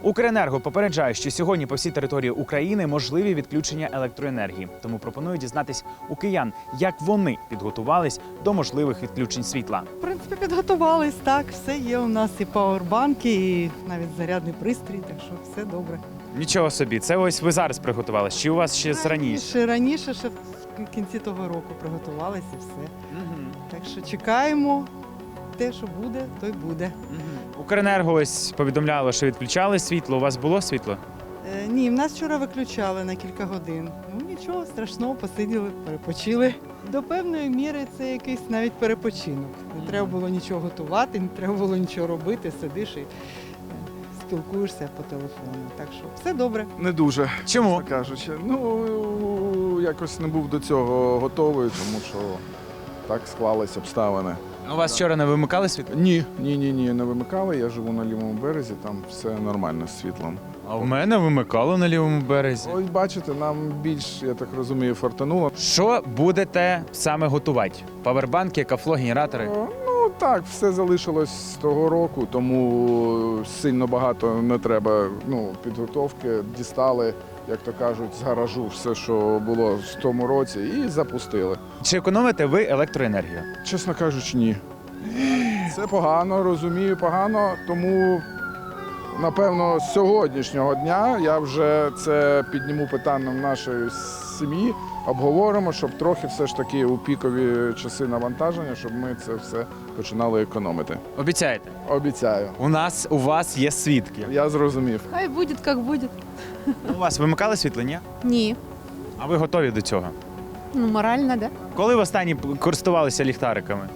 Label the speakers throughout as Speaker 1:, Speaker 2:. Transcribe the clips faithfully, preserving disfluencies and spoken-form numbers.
Speaker 1: Укренерго попереджає, що сьогодні по всій території України можливі відключення електроенергії. Тому пропоную дізнатись у киян, як вони підготувались до можливих відключень світла.
Speaker 2: В принципі, підготувались, так, все є у нас і пауербанки, і навіть зарядний пристрій, так що все добре.
Speaker 1: Нічого собі, це ось ви зараз приготувались, чи у вас ще з раніше?
Speaker 2: Ще раніше, ще в кінці того року приготувалися і все.
Speaker 1: Угу.
Speaker 2: Так що чекаємо, те, що буде, то й буде.
Speaker 1: Угу. Укренерго ось повідомляло, що відключали світло. У вас було світло?
Speaker 2: Е, ні, в нас вчора виключали на кілька годин. Ну нічого страшного, посиділи, перепочили. До певної міри це якийсь навіть перепочинок. Не треба було нічого готувати, не треба було нічого робити, сидиш і е, спілкуєшся по телефону. Так що все добре.
Speaker 3: Не дуже,
Speaker 1: Чому?
Speaker 3: чесно кажучи. Ну, якось не був до цього готовий, тому що так склались обставини.
Speaker 1: У вас вчора не вимикали світло?
Speaker 3: Ні, ні, ні, ні, не вимикали. Я живу на лівому березі, там все нормально з світлом.
Speaker 1: А в мене вимикало на лівому березі.
Speaker 3: Ось бачите, нам більш, я так розумію, фартануло.
Speaker 1: Що будете саме готувати? Павербанки, кафло, генератори?
Speaker 3: О, Ну так, все залишилось з того року, тому сильно багато не треба ну, підготовки. Дістали, як то кажуть, з гаражу все, що було в тому році, і запустили.
Speaker 1: Чи економите ви електроенергію?
Speaker 3: Чесно кажучи, ні. Це погано, розумію, погано, тому, напевно, з сьогоднішнього дня я вже це підніму питанням нашої сім'ї, обговоримо, щоб трохи все ж таки у пікові часи навантаження, щоб ми це все починали економити.
Speaker 1: Обіцяєте?
Speaker 3: Обіцяю.
Speaker 1: У нас, у вас є свідки.
Speaker 3: Я зрозумів.
Speaker 4: Хай буде, як буде.
Speaker 1: У вас вимикали світло, ні?
Speaker 4: Ні.
Speaker 1: А ви готові до цього?
Speaker 4: Ну, морально, да?
Speaker 1: Коли ви останні користувалися ліхтариками?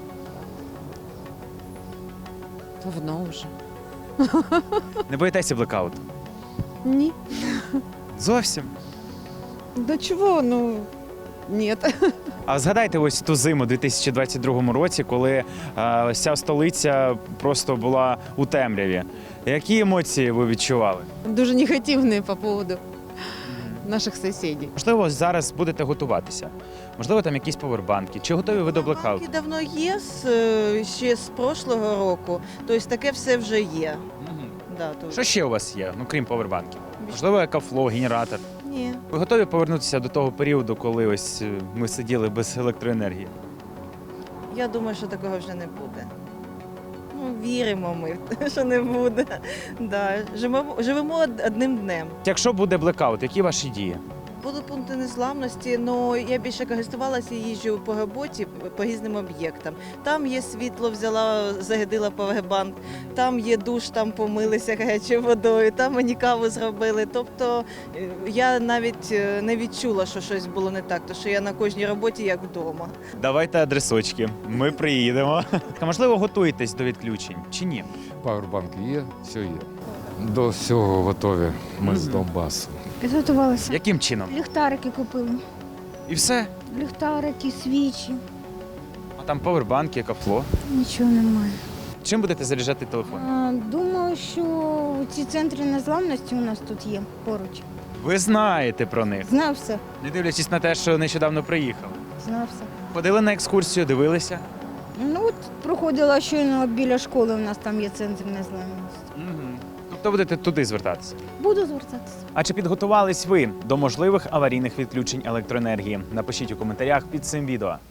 Speaker 4: Давно вже.
Speaker 1: Не боїтеся блекауту?
Speaker 4: Ні.
Speaker 1: Зовсім.
Speaker 4: До чого? Ну, ні.
Speaker 1: А згадайте ось ту зиму у дві тисячі двадцять другому році, коли а, ось ця столиця просто була у темряві. Які емоції ви відчували?
Speaker 4: Дуже негативні по поводу наших сусідів.
Speaker 1: Можливо, зараз будете готуватися. Можливо, там якісь павербанки. Чи готові ви до блекауту?
Speaker 5: Банки давно є, з, е, ще з прошлого року, тобто таке все вже є. Да, то...
Speaker 1: Що ще у вас є, ну крім павербанків? Можливо, екафло, генератор.
Speaker 5: Ні.
Speaker 1: Ви готові повернутися до того періоду, коли ось е, ми сиділи без електроенергії?
Speaker 5: Я думаю, що такого вже не буде. Ну, віримо ми, що не буде. Да. Живемо, живемо од- одним днем.
Speaker 1: Якщо буде блекаут, які ваші дії?
Speaker 5: Будуть пункти незламності, але я більше користувалася і їжджу по роботі, по різним об'єктам. Там є світло, взяла, зарядила павербанк, там є душ, там помилися гарячою водою, там мені каву зробили. Тобто е, я навіть е, не відчула, що щось було не так, тому що я на кожній роботі як вдома.
Speaker 1: Давайте адресочки, ми приїдемо. А можливо, готуєтесь до відключень чи ні?
Speaker 6: Павербанки є, все є. До всього готові. Ми з
Speaker 1: Мгм.
Speaker 6: Донбасу.
Speaker 7: Підготувалися.
Speaker 1: Яким чином?
Speaker 7: Ліхтарики купили.
Speaker 1: І все?
Speaker 7: Ліхтарики, свічі.
Speaker 1: А там павербанки, кафло.
Speaker 7: Нічого немає.
Speaker 1: Чим будете заряджати телефон?
Speaker 7: А, думаю, що ці центри незламності у нас тут є поруч.
Speaker 1: Ви знаєте про них,
Speaker 7: Знав все.
Speaker 1: не дивлячись на те, що нещодавно приїхали.
Speaker 7: Знав все.
Speaker 1: Ходили на екскурсію, дивилися?
Speaker 7: Ну от проходила щойно біля школи, у нас там є центр незламності.
Speaker 1: Угу. Тобто будете туди звертатися.
Speaker 7: Буду звертатися.
Speaker 1: А чи підготувались ви до можливих аварійних відключень електроенергії? Напишіть у коментарях під цим відео.